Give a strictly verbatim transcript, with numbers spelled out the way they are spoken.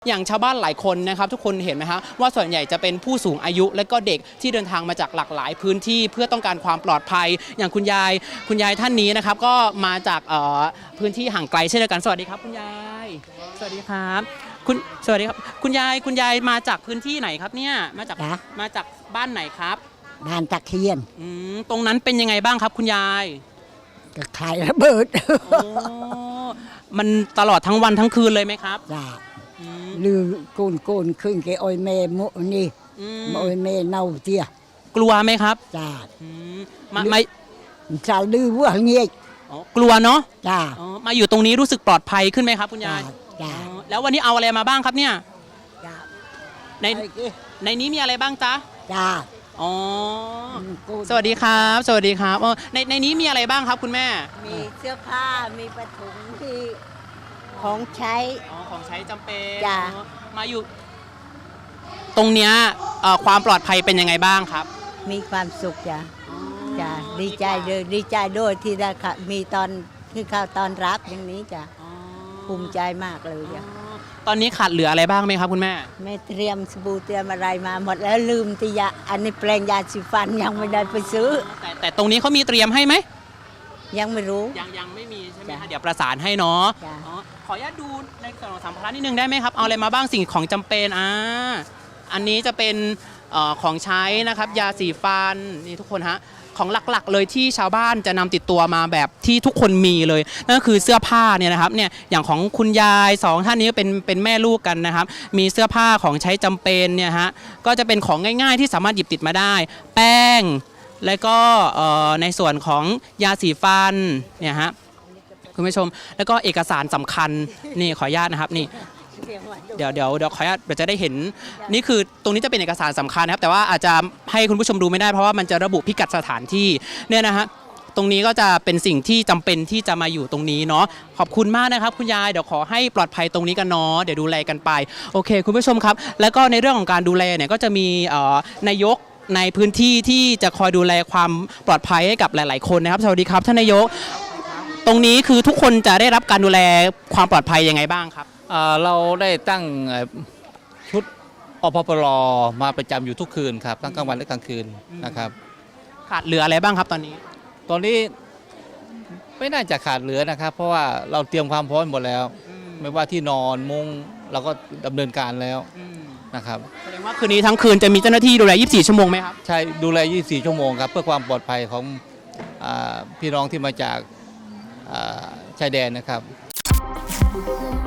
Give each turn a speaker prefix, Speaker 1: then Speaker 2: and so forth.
Speaker 1: อย่างชาวบ้านหลายคนนะครับทุกคนเห็นไหมฮะว่าส่วนใหญ่จะเป็นผู้สูงอายุและก็เด็กที่เดินทางมาจากหลากหลายพื้นที่เพื่อต้องการความปลอดภัยอย่างคุณยายคุณยายท่านนี้นะครับก็มาจากพื้นที่ห่างไกลเช่นเดียวกันสวัสดีครับคุณยายสวัสดีครับคุณสวัสดีครับคุณยายคุณยายมาจากพื้นที่ไหนครับเนี่ยมาจากมาจากบ้านไหนครับ
Speaker 2: บ้านตะเคียน
Speaker 1: อืมตรงนั้นเป็นยังไงบ้างครับคุณยาย
Speaker 2: ก็ขายระเบิด
Speaker 1: โอ้มันตลอดทั้งวันทั้งคืนเลยไหมครับ
Speaker 2: จ้าลือโกนโกนขึ้นแกอ้อยแม่โมนี่อ้อยแม่เน่าเตี้ย
Speaker 1: กลัวไหมครับ
Speaker 2: จ้า
Speaker 1: มาไม่
Speaker 2: จะลือว่าเงี้ย
Speaker 1: กลัวเนาะ
Speaker 2: จ้า
Speaker 1: มาอยู่ตรงนี้รู้สึกปลอดภัยขึ้นไหมครับคุณยาย
Speaker 2: จ้า
Speaker 1: แล้ววันนี้เอาอะไรมาบ้างครับเนี่ยในในนี้มีอะไรบ้างจ๊ะ
Speaker 2: จ้า
Speaker 1: อ๋อสวัสดีครับสวัสดีครับในในนี้มีอะไรบ้างครับคุณแม่
Speaker 2: มีเสื้อผ้ามีปฐมที่ของใช้
Speaker 1: อ๋อของใช้จำเป็น
Speaker 2: จ้า
Speaker 1: มาอยู่ตรงเนี้ยความปลอดภัยเป็นยังไงบ้างครับ
Speaker 2: มีความสุขจ้าจ้าดีใจเลยดีใจด้วยที่ได้มีตอนที่เข้าตอนรับอย่างนี้จ้าภูมิใจมากเลยจ้า
Speaker 1: ตอนนี้ขาดเหลืออะไรบ้างไหมครับคุณแม่
Speaker 2: แม่เตรียมสบู่เตรียมอะไรมาหมดแล้วลืมติยาอันนี้แปลงยาสีฟันยังไม่ได้ไปซื้อ
Speaker 1: แต่แต่ตรงนี้เขามีเตรียมให้ไหม
Speaker 2: ยังไม่รู้
Speaker 1: ยังยังไม่มีใช่ไหมคะเดี๋ยวประสานให้เนาะขออนุญาตดูในส่วนของสัมภาระนิดนึงได้ไหมครับเอาอะไรมาบ้างสิ่งของจำเป็นอ่าอันนี้จะเป็นของใช้นะครับยาสีฟันนี่ทุกคนฮะของหลักๆเลยที่ชาวบ้านจะนำติดตัวมาแบบที่ทุกคนมีเลยนั่นก็คือเสื้อผ้าเนี่ยนะครับเนี่ยอย่างของคุณยายสองท่านนี้เป็นเป็นแม่ลูกกันนะครับมีเสื้อผ้าของใช้จำเป็นเนี่ยฮะก็จะเป็นของง่ายๆที่สามารถหยิบติดมาได้แป้งแล้วก็ในส่วนของยาสีฟันเนี่ยฮะคุณผู้ชมแล้วก็เอกสารสำคัญนี่ขออนุญาตนะครับนี่เดี๋ยวเดี๋ยวเดี๋ยวขออนุญาตเราจะได้เห็นนี่คือตรงนี้จะเป็นเอกสารสำคัญนะครับแต่ว่าอาจจะให้คุณผู้ชมดูไม่ได้เพราะว่ามันจะระบุพิกัดสถานที่เนี่ยนะฮะตรงนี้ก็จะเป็นสิ่งที่จำเป็นที่จะมาอยู่ตรงนี้เนาะขอบคุณมากนะครับคุณยายเดี๋ยวขอให้ปลอดภัยตรงนี้กันเนาะเดี๋ยวดูแลกันไปโอเคคุณผู้ชมครับแล้วก็ในเรื่องของการดูแลเนี่ยก็จะมีนายกในพื้นที่ที่จะคอยดูแลความปลอดภัยให้กับหลายๆคนนะครับสวัสดีครับท่านนายกตรงนี้คือทุกคนจะได้รับการดูแลความปลอดภัยยังไงบ้างครับ
Speaker 3: เราได้ตั้งชุดอพปรมาประจำอยู่ทุกคืนครับทั้งกลางวันและกลางคืนนะครับ
Speaker 1: ขาดเหลืออะไรบ้างครับตอนนี้
Speaker 3: ตอนนี้ไม่น่าจะขาดเหลือนะครับเพราะว่าเราเตรียมความพร้อมหมดแล้วไม่ว่าที่นอนมุ้งเราก็ดำเนินการแล้วนะครับ
Speaker 1: แสดงว่าคืนนี้ทั้งคืนจะมีเจ้าหน้าที่ดูแลยี่สิบสี่ชั่วโมงไหมครับ
Speaker 3: ใช่ดูแลยี่สิบสี่ชั่วโมงครับเพื่อความปลอดภัยของพี่น้องที่มาจากชายแดนนะครับ